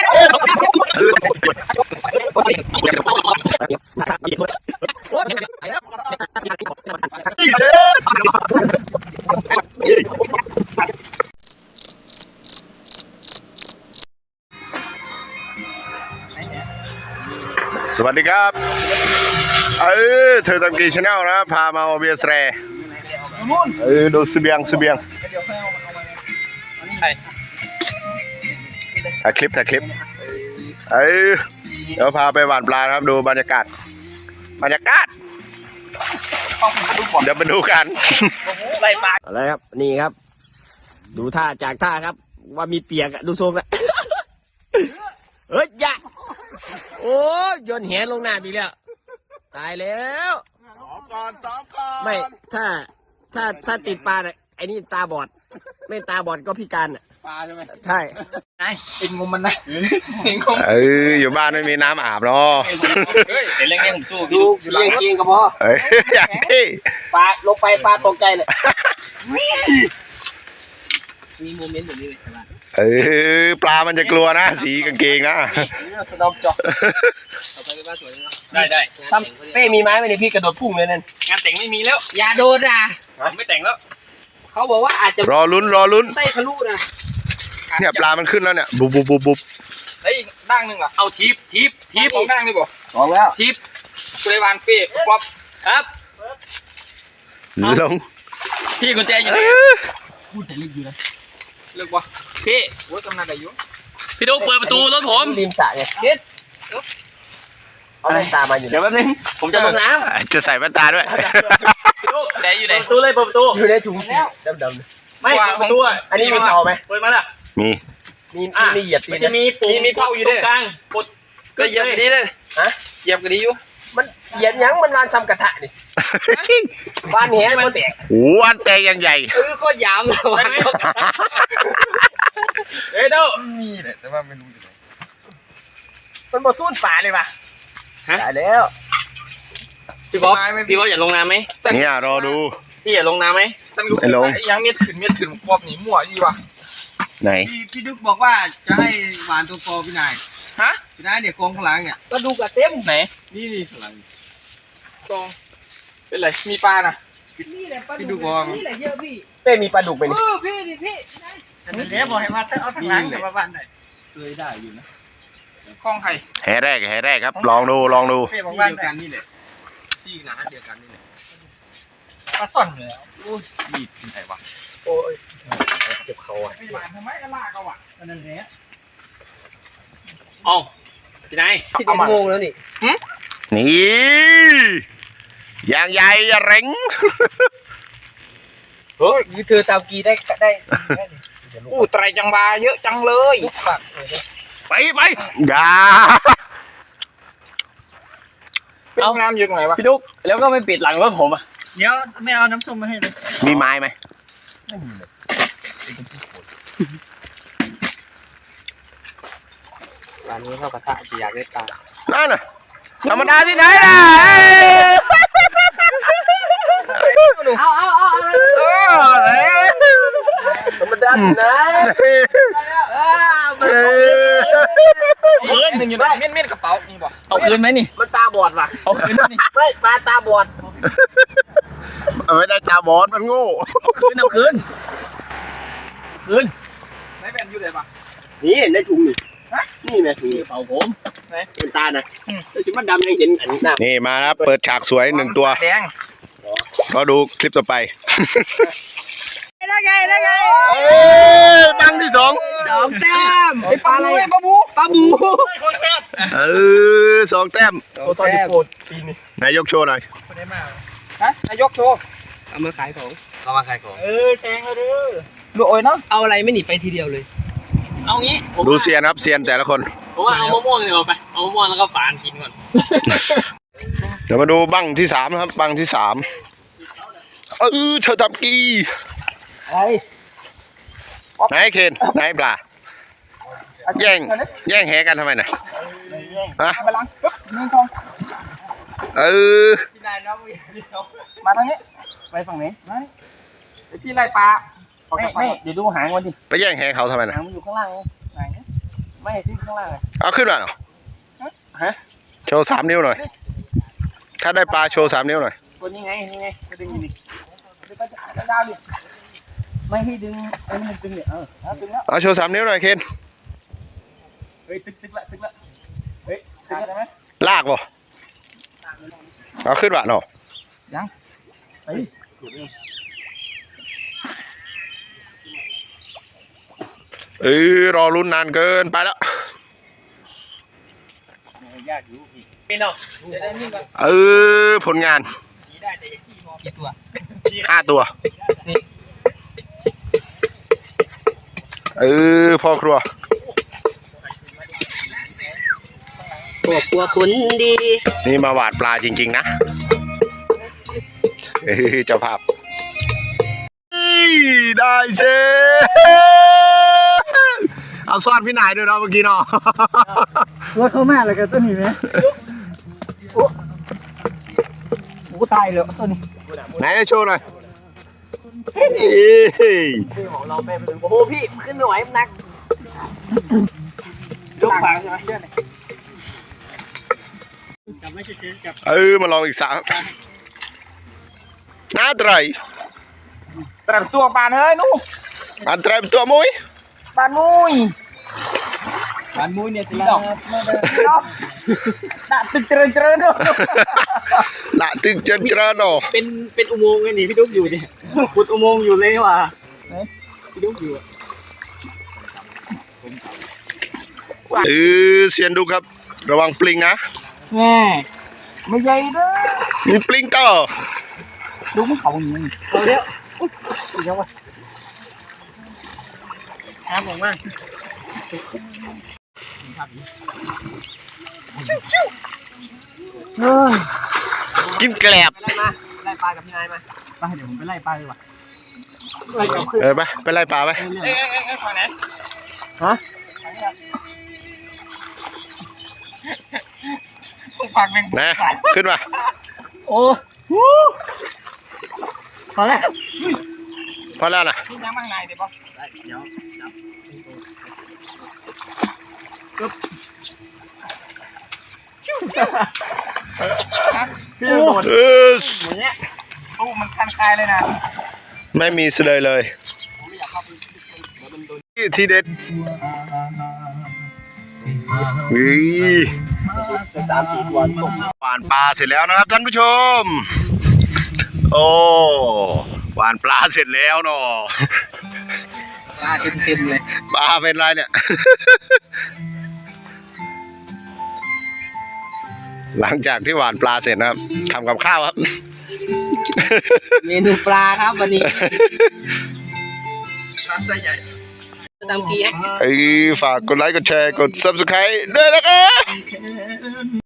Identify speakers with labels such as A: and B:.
A: สวัสดีครับเธอทำกี่ชาแนลนะพามาเบียร์แสรดูเสบียงถ่ายคลิปเดี๋ยวพาไปหว่านปลาครับดูบรรยากาศเดี๋ยวไปดูกันอะไรครับนี่ครับดูท่าจากท่าครับว่ามีเปียกดูทรงละเฮ้ยอย่าโอ้ยโยนแหลงน้ำอีกแล้วตายแล้วซ้อมก่อนไม่ถ้าติดปลาเนี่ยไอ้นี่ตาบอดไม่ตาบอดก็พิการอ่ะปลาใช่ไหมใช่
B: เป็นงมมันนะ
A: อยู่บ้านไม่มีน้ำอาบหรอ
B: เฮ้ยเล่นผมสู้ดูเล่นจริงก็พอ
A: อย่างที่
B: ปลาลงไปปลาตกใจเลยมีโมเมนต์แบบนี้เลย
A: ปลามันจะกลัวนะสีกางเกงนะ
B: สนอมจอกได้ทำเป้มีไม้ไหมเนี่ยพี่กระโดดพุ่งเลยนั่นงานแต่งไม่มีแล้วอย่าโดดอ่ะไม่แต่งแล้วเขาบอกว่าอาจจะ
A: รอลุ้น
B: ไส้ทะลุนะ
A: เนี่ยปลามันขึ้นแล้วเนี่ยบุบ
B: เฮ้ยด่างหนึ่งเหรอเอาทีบของด่างนี่บ่
A: ลองแล้ว
B: ทีบกุเลวานเป้ป๊อปครับ
A: ลง
B: พี่กุญแจอยู่ไหนพูดแต่ลึกอยู่นะเลิกวะพี่โอ้ยกำลังได้อยู่พี่ดูเปิดประตูรถผม
A: ริมสระไงเด็ดเอาแว่นตามาอยู่
B: เดี๋ยวแป๊บนึงผมจะลงน้
A: ำจะใส่แว่นตาด้วย
B: ดูไหนอยู่ไหนประตูเลยเปิดประตู
A: อยู่ในถุงแล้วดำ
B: ไม่ประตู
A: อันนี้มีเตาไหม
B: เปิดมาล่ะมี
A: เหยียบตีน
B: จะมีปูมีเผาอยู่ด้วยกลางปด
A: ก็เหยียบกันดีเลย
B: เหยียบกันดีอยู่
A: มันเหยียบยังมันวานซ้ำกระทะนี่วานแหมันแตกวานแตกยังใหญ่
B: ก็ยามเลยวานเด้อ
A: มีแหละแต่ว่าไม่รู้อยู่ไหน
B: มันมาสู้ป่าเลยป่ะ
A: ได้แล้ว
B: พี่บ๊อบอย่าลงน้ำไหม
A: เนี่ยรอดู
B: พี่อย่าลงน้ำไหม
A: ไม่ลง
B: ยังเม็ดขึ้นปอบหนีมั่วดีว่ะ
A: ไหน
B: พี่ดุ๊กบอกว่าจะให้หวานตัวโตพี่นายพี่นายเนี่ยกองข้างหลังเนี่ยก็ดูกระเต็มไหนนี่ข้างหลังกองเป็นไรมีปลานะพี่ดุ๊กบอกนี่แหละเยอะพี่
A: เป้มีปลาดุกไหมนี่
B: พี่อันนี้บอกให้มาเอาทางหลังมาบ้านไหนเคยได้อยู่นะคลองไข่
A: แห่แรกครับลองดู
B: ที่เดียวกันนี่แหละที่หนาเดียวกันนี่แหละปลาซ่อนเลยโอ้ยมีที่ไหนวะ
A: โอ้ยเจ็บเขาอ่ะ
B: ไม่หวานทำไมก็ลากเขาอ่ะนั่นแหละอ๋อพี่นาย11 โมงแล้วนี่
A: อย่างใหญ่อย่าเร่ง
B: เฮ้ยนี่เธอตามกีได้อู้ไตรจังบาเยอะจังเลยไป
A: อย่า
B: เอาน้ำอยู่ตรงไหนวะพี่ดุ๊กแล้วก็ไม่ปิดหลังรถผมอ่ะเดี๋ยวไม่เอาน้ำส้มมาให้เลย
A: มีไม้ไหม
B: ร้านนี้เข้ากระทะchỉอยากได้ปลา
A: นั่นน่ะธรรมดาที่ไหนล่ะ
B: เอาธรรมดาที่ไหนคืนหนึ่งอยู่ได้เม่นกระเป๋านี่บ่เอาคืนไหมนี่มันตาบอดว่ะเอาคืนนี่ไม่ปลาตาบอด
A: ไม่ได้ตาบอดมันโง่
B: เอาคืนไม่เป็นอยู่เลยป่ะ
A: นี่เห็นในถุงนี่แม่ถุง
B: เป่าผม
A: เป็นตานะชิมันดำยังเห็นอันนี้นี่มาครับเปิดฉากสวย1 ตัวก็ดูคลิปต่อไป
B: ได้ไง
A: บังที่2
B: แต้มปลาอะไรปลาบู
A: 2 แต้ม
B: ตอนนี้โปรดปีนี้
A: นายกโชว์หน่อย
B: นายกโชว์เอามาขายของแซงเลยดูโอ้ยเนาะเอาอะไรไม่หนีไปทีเดียวเลยเอางี้
A: ดูเซียนครับเซียนแต่ละคน
B: ผมว่าเอามะม่วงดีกว่าไปเอามะม่วงแล้วก็ฝานกินก่อน
A: เดี๋ยวมาดูบังที่3นะครับบังที่3เธอทำกีไหนเคนไหนปลาแย่งแหกันทำไมน่ะฮะ
B: มาทางนี้ไปฝั่งนี้ที่ไรปลาไม่เดี๋ยวดูหางมันดิ
A: ไปแย่งแหเขาทำไมน่ะ
B: หางมันอยู่ข้างล่างไหนไม่ที่ข้างล่าง
A: เอาขึ้นมาหน่อย
B: ฮะ
A: โชว์3 นิ้วหน่อย ถ้าได้ปลาโชว์3 นิ้วหน่อย
B: ตัวนี้ไงจะดึงดิดึงก็ดาวดิไม่ให้ดึงไอ้มันดึงเนี่ยดึงแล้ว
A: เอาโชว์3 นิ้วหน่อยเคน
B: เฮ้ยตึกละเฮ้ยตึกได้ไหม
A: ลากบ่เอาขึ้นมาหน่อย
B: ยังไป
A: รอลุ้นนานเกินไปแล้ว
B: ยากอยู่พี่พี่น้องจะได้นี่ก่อน
A: ผลงาน
B: ได้แต่กี่มอกี่ตัว
A: 5 ตัวพ่อครัว
B: ครัวคุณดี
A: นี่มาหวานปลาจริงๆนะเจ้าภาพได้เชเอาซ่อนพี่นายด้วยเนาะเมื่อกี้เนาะ
B: ว่าเขามาอะไรกันตัวนี้ไหมโอ้ตายเลยตัวนี้
A: ไหนโชว์หน่อย
B: ของเราไปเป็นโอ้โหพี่ขึ้นไม่ไหวมันหนักยกฝางใช่ไหมเชื่อไหมจับไม่ใช่จับ
A: มาลองอีก3น่าไตร
B: ตรัสตัวปานเฮ้ยนู่น
A: อันไตรเป็นตัวมุ้ย
B: ปานมุยเนี่ยสิดอกด่าตึกเจริญเนาะ
A: ละตึกเจนเจริญเนาะ
B: เป็นอุโมงค์ไงนี่พี่ดุ๊กอยู่เนี่ยขุดอุโมงค์อยู่เลยว่ะพี่ดุ๊กอยู่
A: เซียนดูครับ ระวังปลิงนะ
B: แง่ไม่ใหญ่เด้อ
A: มีปลิงต่อ
B: ดุ๊กมันเขาอย่างนี้เอาเดี๋ยวอีกแล้ววะน้ำออกมา
A: กินแกลบ
B: ไล่ปลากับพี่นายมาไปเดี๋ยวผมไปไล่ปลาดีกว่า
A: ไปไล่ปลาไป
B: ฝั่งไหนฮะฝั่งหนึ่ง
A: นะขึ้นมา
B: โอ้พอแล้ว
A: พอแล้วนะ
B: นี่น้ำข้างในเดี๋ยวป่ะเดี๋ยวจับปึ๊บพี่โดดเหมือนเนี้ยโอ้มันคันคายเลยนะ
A: ไม่มีเสลยเลยทีเด็ดหวานปลาเสร็จแล้วนะครับท่านผู้ชม โอ้หวานปลาเสร็จแล้วเนาะ
B: ปลาเต็มเลย
A: ปลาเป็นไรเนี่ย หลังจากที่หวานปลาเสร็จนะครับทำกับข้าวครับ
B: เมนูปลาครับวันนี้ปลาไส้ใหญ่ตามกี้
A: ฝากกดไลค์กดแชร์กด Subscribe ด้วยนะครับ